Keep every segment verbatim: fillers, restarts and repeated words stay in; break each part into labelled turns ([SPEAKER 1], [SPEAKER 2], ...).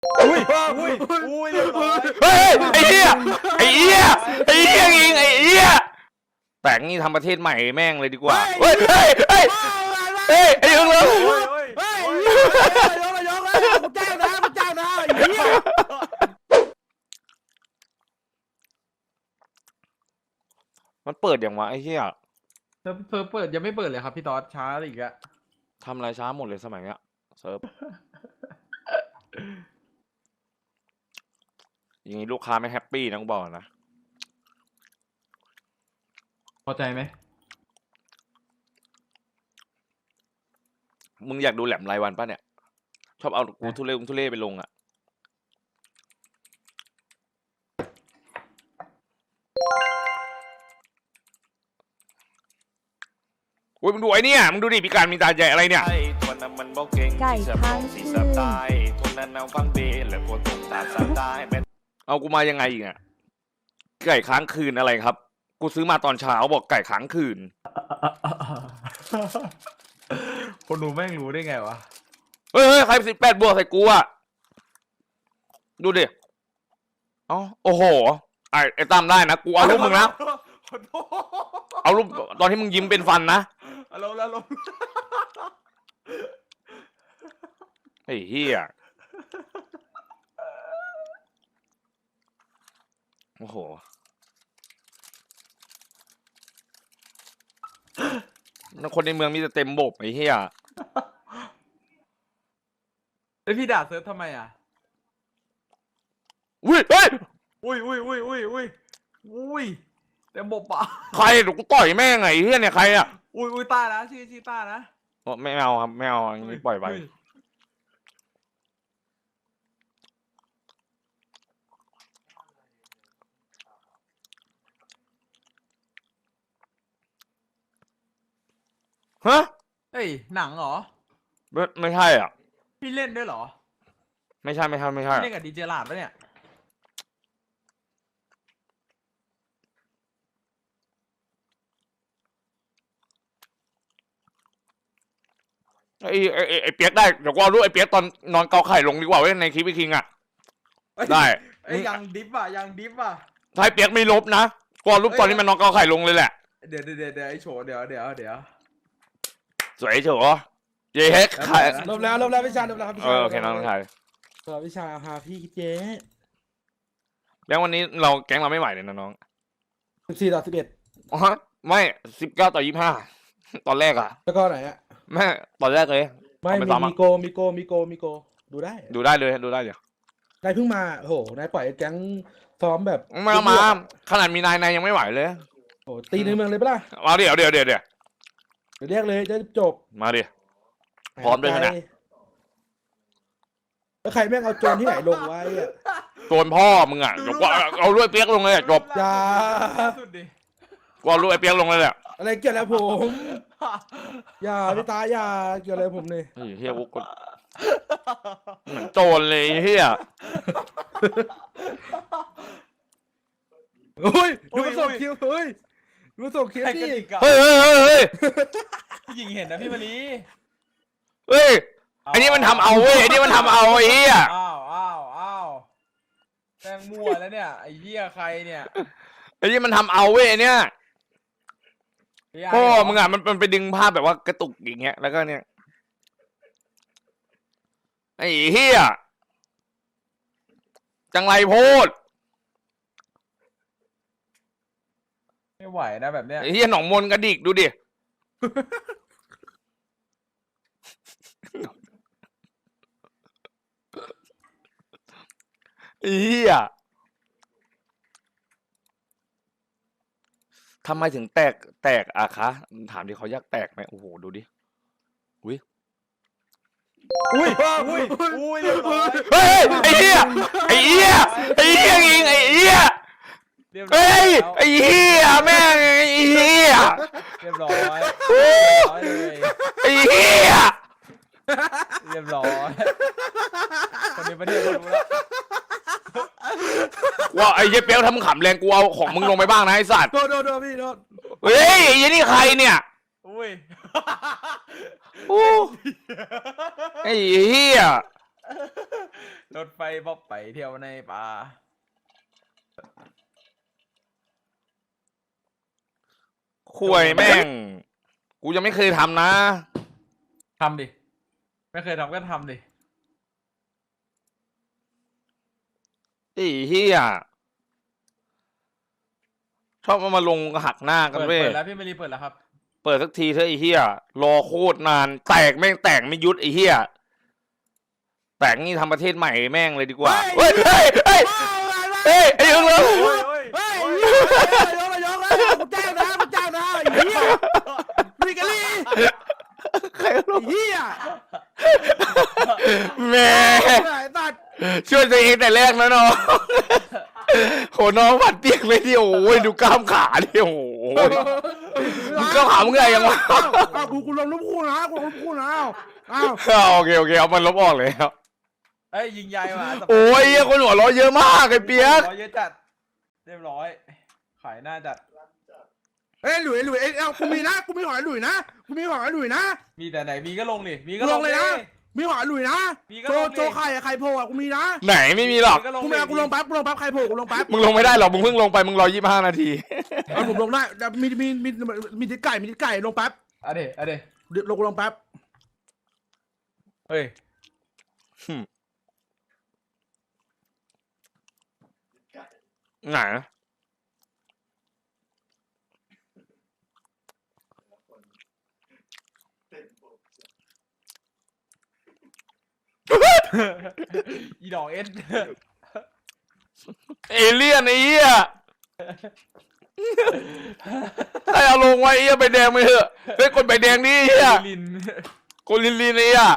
[SPEAKER 1] อุ้ยอุ้ยอุ้ยเรียบร้อย
[SPEAKER 2] เฮ้ยไอ้เหี้ยไอ้เหี้ยไอ้เหี้ยยิงไอ้เหี้ยแปลงนี่ทำประเทศใหม่แม่งเลยดีกว่าเฮ้ยเฮ้ยเฮ้ยเฮ้ยไอ้ยังเลย
[SPEAKER 1] เฮ้ยเฮ้ย
[SPEAKER 3] เฮ้ยยกเลยยกเลยกูจ้างนะกูจ้างนะไอ้เหี้ย
[SPEAKER 2] มันเปิดอย่างวะไอ้เหี้ย
[SPEAKER 3] เซิร์ฟเซิร์ฟเปิดยังไม่เปิดเลยครับพี่ต๊อดช้าอีกอะ
[SPEAKER 2] ทำอะไรช้าหมดเลยสมัยเนี้ยเซิร์ฟอย่างนี้ลูกค้าไม่แฮปปี้นะกูบอกนะ
[SPEAKER 3] พอใจไหม
[SPEAKER 2] มึงอยากดูแหลมรายวันป่ะเนี่ยชอบเอากูทุเรศทุเรศไปลงอ่ะโอ้ยมึงดูไอ้เนี่ยมึงดูดิพิการมีตาใหญ่อะไรเนี่ย
[SPEAKER 4] คนนั้นมันบอกเก่ง
[SPEAKER 5] ไก่
[SPEAKER 4] ที่จะ
[SPEAKER 5] ค้าง
[SPEAKER 4] สี
[SPEAKER 5] คื
[SPEAKER 4] สับ
[SPEAKER 5] น
[SPEAKER 4] ตายคนนั้นเอาฟังเบลและคนตกตาสับตายแม่
[SPEAKER 2] เอากูมายังไงอีกอ่ะไก่ค้างคืนอะไรครับกูซื้อมาตอนเช้าบอกไก่ค้างคืน
[SPEAKER 3] คนดูแม่งรู้ได้ไงวะ
[SPEAKER 2] เฮ้ยเฮ้ยใครสิบแปดบวกใส่กูอ่ะดูดิเอ๋อโอ้โหไอ้ไอ้ตามได้นะกูเอารูปมึงนะ
[SPEAKER 3] ขอโทษ
[SPEAKER 2] เอารูปตอนที่มึงยิ้มเป็นฟันนะ
[SPEAKER 3] อารมณ์แล้วลมณ์
[SPEAKER 2] ไอ้เหี้ยโอ้โหคนในเมืองมีแต่เต็มบบไอ้เหี้ย
[SPEAKER 3] แล้วพี่ด่าเซิร์ฟทำไมอ่ะ
[SPEAKER 2] อุ้ยเฮ้ย
[SPEAKER 3] อุ้ยอุ้ยอุ้ยอุ้ยอุ้ยอุ้ยแต่บบปะ
[SPEAKER 2] ใครเดี๋ยวกูต่อยแม่งไงไอ้เหี้ยเนี่ยใครอ่ะ
[SPEAKER 3] อุ้ยอุ้ยต้านะชื่อชื่อต้านะ
[SPEAKER 2] โอ้ไม่เอาครับไม่เอาอย่างนี้ปล่อยไป
[SPEAKER 3] อุ้
[SPEAKER 2] ฮะ
[SPEAKER 3] เฮ้ยหนังเหรอ
[SPEAKER 2] ไม่ไม่ใช่อ่ะ
[SPEAKER 3] พี่เล่นด้วยเหรอ
[SPEAKER 2] ไม่ใช่ไม่ใช่ไม่ใช่
[SPEAKER 3] เล่นกับดีเจลาดปะเนี่ย
[SPEAKER 2] ไอ้ไอ้ไอ้ไอ้เปียกได้เดี๋ยวกูเอารูปไอ้เปียกตอนนอนเกาไข่ลงดีกว่าเว้ยในคลิปไอ้คิงอ่ะได้
[SPEAKER 3] ไอ้ยยังดิฟอ่ะยังดิฟอ่ะ
[SPEAKER 2] ถ้าไอ้เปียกไม่ลบนะกูเอารูปตอนที่มันนอนเกาไข่ลงเลยแหละ
[SPEAKER 3] เดี๋ยวเดี๋ยวเดี๋ยวเดี๋ยวไอ้โฉเดี๋ยวเดี๋ยวเดี๋ยว
[SPEAKER 2] สวยเฉยเย้เฮ็ดไข่
[SPEAKER 1] ลบแล้วลบแล้วพี่ชายลบแล้วครับพี่
[SPEAKER 2] เอ
[SPEAKER 1] ชาย
[SPEAKER 2] อโอเคน้องชาย
[SPEAKER 1] เออพี่ชายหาพี่เจ๊
[SPEAKER 2] แล้ววันนี้เราแก๊งเราไม่ไหวเลยนะน้อง
[SPEAKER 1] สิบสี่ต่อสิบเอ็ด
[SPEAKER 2] อ๋อไม่สิบเก้าต่อยี่สิบห้าตอนแรกอ่ะ
[SPEAKER 1] แล้วก็ไหนอ่ะ
[SPEAKER 2] แม่ตอนแรกเลย
[SPEAKER 1] ไม่
[SPEAKER 2] เอาไป
[SPEAKER 1] มี
[SPEAKER 2] ซ้อมอะ
[SPEAKER 1] มีโกมีโกมีโกมีโกดูได้
[SPEAKER 2] ดูได้เลยดูได้เดี๋ยวน
[SPEAKER 1] ายเพิ่งมาโอ้โหนายปล่อยแก๊งซ้อมแบบ
[SPEAKER 2] มามาขนาดมีนายนายยังไม่ไหวเลย
[SPEAKER 1] โอ้โหตีในเมืองเลยปะล่ะ
[SPEAKER 2] มาเดี๋ยวเดี๋ยวเดี๋ยวเดี๋ยว
[SPEAKER 1] เดี๋ยวเรียกเลยจะจบ
[SPEAKER 2] มาดิ พร้อมด้วยขนาด
[SPEAKER 1] แล้วใครแม่งเอาโจรที่ไหนลงไว้อะ
[SPEAKER 2] โจนพ่อมึงอ่ะเดี๋ยวกูเอาเอารูปไอ้เปียกลงเลยอะจบ
[SPEAKER 1] อย่า
[SPEAKER 3] สุดดิ
[SPEAKER 2] กูเอารูปไอ้เปียกลงเลยแหละ
[SPEAKER 1] อะไรเกี่ยวแล้วผม อย่าพี่ตาอย่าเกี่ยวอะไรผมเลย
[SPEAKER 2] เฮ้ยเฮียกูกดเหมือนโจรเลยเฮีย
[SPEAKER 1] เฮ้ยดูมาส่งคิวเฮ้ยดูมาส่งคิว
[SPEAKER 3] ใครก
[SPEAKER 1] ดิ
[SPEAKER 3] ระดิกอะ
[SPEAKER 2] เฮ้ยเฮ้ยเฮ้ยเฮ้ย
[SPEAKER 3] พี่หญิงเห็นนะพี่มะลิ
[SPEAKER 2] เฮ้ยไอ้นี่มันทำเอาเว้ยไอ้นี่มันทำเอาไอ้เฮีย
[SPEAKER 3] อ้าวอ้าวอ้าวแป้งมั่วแล้วเนี่ยไอ้เหี้ยใครเนี่ย
[SPEAKER 2] ไอ้นี่มันทำเอาเว้ยไอ้เนี่ย
[SPEAKER 3] พี่ไอ้
[SPEAKER 2] พ่อ
[SPEAKER 3] เหร
[SPEAKER 2] มึงอ่ะมันมันไปดึงภาพแบบว่ากระตุกอย่างเงี้ยแล้วก็เนี่ยไอ้เฮียจังไรโพด
[SPEAKER 3] ไม่ไหวนะแบบเนี้ย
[SPEAKER 2] ไอ้เฮียหนองมนกระดิกดูดิไอ้เฮียทำไมถึงแตกแตกอะคะถามดิเขาอยากแตกไหมโอ้โหดูดิอุ้ย
[SPEAKER 1] อุ้ย
[SPEAKER 3] อุ้ยอุ้ยเรียบร้อย
[SPEAKER 2] เฮ้ยไอ้เหี้ยไอ้เหี้ยไอ้เหี้ยยิงไอ้เหี้ย
[SPEAKER 3] เรียบร้อ
[SPEAKER 2] เฮ้
[SPEAKER 3] ย
[SPEAKER 2] ย
[SPEAKER 3] แล้ว
[SPEAKER 2] ไอ้เหี้ยแม่งไอ้เหี้ย
[SPEAKER 3] เรียบร้อยเรียบร้อยเลย
[SPEAKER 2] ไอ้เหี้ย
[SPEAKER 3] เรียบร้อยคนในประเทศก็รู้แล้ว
[SPEAKER 2] ว่าไอ้เหี้ยเปี๊ยกทำขำแรงกูเอาของมึงลงไปบ้างนะไอ้สัตว์
[SPEAKER 1] โดนโดนโดนพี่โดน
[SPEAKER 2] เฮ้ยไอ้เหี้ยนี่ใครเนี่ย
[SPEAKER 3] อุ้ย
[SPEAKER 2] โอ้ไอ้เหี้ย
[SPEAKER 3] รถไฟบ๊อบไปเที่ยวในป่า
[SPEAKER 2] คุยแม่ง กูยังไม่เคยทำนะ
[SPEAKER 3] ทำดิ ไม่เคยทำก็ทำดิ
[SPEAKER 2] ไอ้เหี้ยชอบเอามาลงหักหน้ากัน
[SPEAKER 3] เปิด
[SPEAKER 2] เว้ย
[SPEAKER 3] เปิดแล้วพี่มารีเปิดแล้วครับ
[SPEAKER 2] เปิดสักทีเถอะไอ้เหี้ยรอโคตรนาน แตกแม่งแตกไม่ยุดไอ้เหี้ยแตกนี่ทำประเทศใหม่แม่งเลยดีกว่า เฮ้ยเฮ้ยเฮ้ยเฮ้ยไอ้เอิงเลย
[SPEAKER 3] โอ้ยโอ้ย
[SPEAKER 1] เฮ้ยนายกนายกแล้วกูแจ้งนะกูแจ้งนะไอ้เหี้ยมีกันลี่
[SPEAKER 2] ใครรู้
[SPEAKER 1] ไอ้เหี้ย
[SPEAKER 2] แม่
[SPEAKER 1] ไอ้สัตว์
[SPEAKER 2] ช่วยตัวเองแต่แรกนะน้องโหน้องผัดเปียกเลยดิโอ้ยดูกล้ามขาดิโอ้ย มึงก็หามึงไงยังวะ
[SPEAKER 1] อ้าวกูกูลงรูปคู่นะกูลงรูปคู่นะอ้าว
[SPEAKER 2] อ้าวโอเคโอเคเอามันลบออกเลยครับ
[SPEAKER 3] เอ้ยยิงใหญ่ว่ะ
[SPEAKER 2] โอ้ยเหี้ยคนหัวเราะเยอะมากไอ้เปียก
[SPEAKER 3] ร้อยเยอะจัด เรียบร้อย ขายหน้าจัด
[SPEAKER 1] เอ้ยหลุยหลุยเอ้ยเอากูมีนะกูมีหอยหลุยนะกูมีหอยหลุยนะ
[SPEAKER 3] มีแต่ไหนมีก็ลงดิมีก็
[SPEAKER 1] กู
[SPEAKER 3] ล
[SPEAKER 1] ล
[SPEAKER 3] ง
[SPEAKER 1] งเลยนะ มีหอยหลุยนะ
[SPEAKER 3] มีก็
[SPEAKER 1] โจ
[SPEAKER 3] ลงดิ
[SPEAKER 1] โจไข่อะไข่โผล่อะกูมีนะ
[SPEAKER 2] ไหนไม่มีหรอก
[SPEAKER 3] มีก็ลง
[SPEAKER 1] กู
[SPEAKER 3] ดิ
[SPEAKER 1] ไม่เอากูลงแป๊บกูลงแป๊บไข่โผล่กูลงแป๊บ
[SPEAKER 2] มึงลงไม่ได้หรอกมึงเพิ่งลงไปมึงรอยี่สิบห้านาที
[SPEAKER 1] เอาผมลงได้แต่มีมีมีมีติดไก่มีติดไก่ลงแป๊บ
[SPEAKER 3] อะเดอะเด
[SPEAKER 1] เดี๋ยวลงกูลงแป๊บ
[SPEAKER 3] เฮ้ย
[SPEAKER 2] ไหน
[SPEAKER 3] อีดอกเอ็น
[SPEAKER 2] เอเลี่ยนไอ้เหี้ยใครเอาลงไว้ไอ้เหี้ยใบแดงไปเถอะเฮ้ยกดใบแดงนี่ไอ้เหี้ย
[SPEAKER 3] ลิน
[SPEAKER 2] กดลินลินไอ้เหี้ย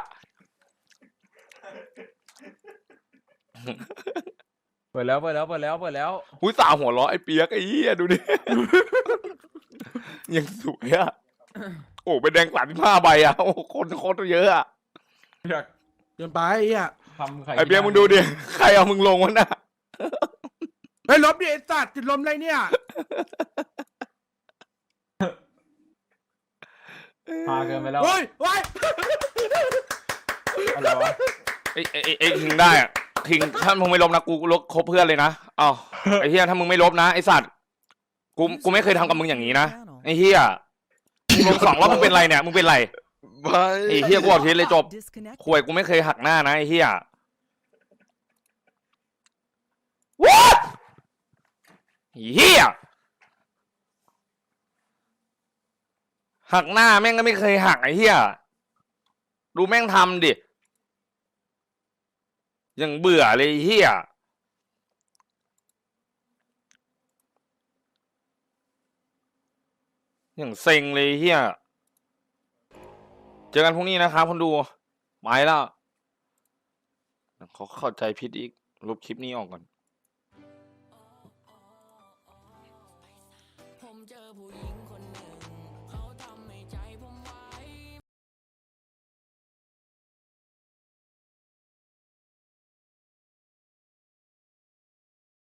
[SPEAKER 3] เปิดแล้วเปิดแล้วเปิดแล้วเปิดแล้ว
[SPEAKER 2] หุ้ยสาวหัวเราะไอ้เปียกไอ้เหี้ยดูดิ ยังสวยอ่ะโอ้ใบแดงสามสิบห้าใบอ่ะโอ้คนโคตรเยอะอ่ะ
[SPEAKER 3] อยาก
[SPEAKER 1] เดินไปไอ้เหี้ย
[SPEAKER 3] ทำไข่
[SPEAKER 2] ไอ้เปียกมึงดูดิใครเอามึงลงวะน่ะ
[SPEAKER 1] เฮ้ยลบดิไอ้สัตว์ติดลมอะไรเนี่ย
[SPEAKER 3] พาเกินไปแล้ว
[SPEAKER 1] โอ้ยโอ้ย
[SPEAKER 3] อะไรวะ
[SPEAKER 2] ไอ้ไอ้ไอ้ไอ้คิงได้อะคิงถ้ามึงไม่ลบนะกูลบคบเพื่อนเลยนะอ้าวไอ้เฮียถ้ามึงไม่ลบนะไอ้สัตว์กูกูไม่เคยทำกับมึงอย่างนี้นะไอ้เฮียมึงลงสองรอบมึงเป็นไรเนี่ยมึงเป็นไรไอ้เฮียกูบอกทีเลยจบข่วยกูไม่เคยหักหน้านะไอ้เฮียว้าเฮียหักหน้าแม่งก็ไม่เคยหักไอ้เฮียดูแม่งทำดิยังเบื่อเลยเฮียยังเซ็งเลยเฮียเจอกันพรุ่งนี้นะครับคนดูไปแล้วเขาเข้าใจผิดอีกลบคลิปนี้ออกก่อน
[SPEAKER 5] ผมเจอผู้หญิง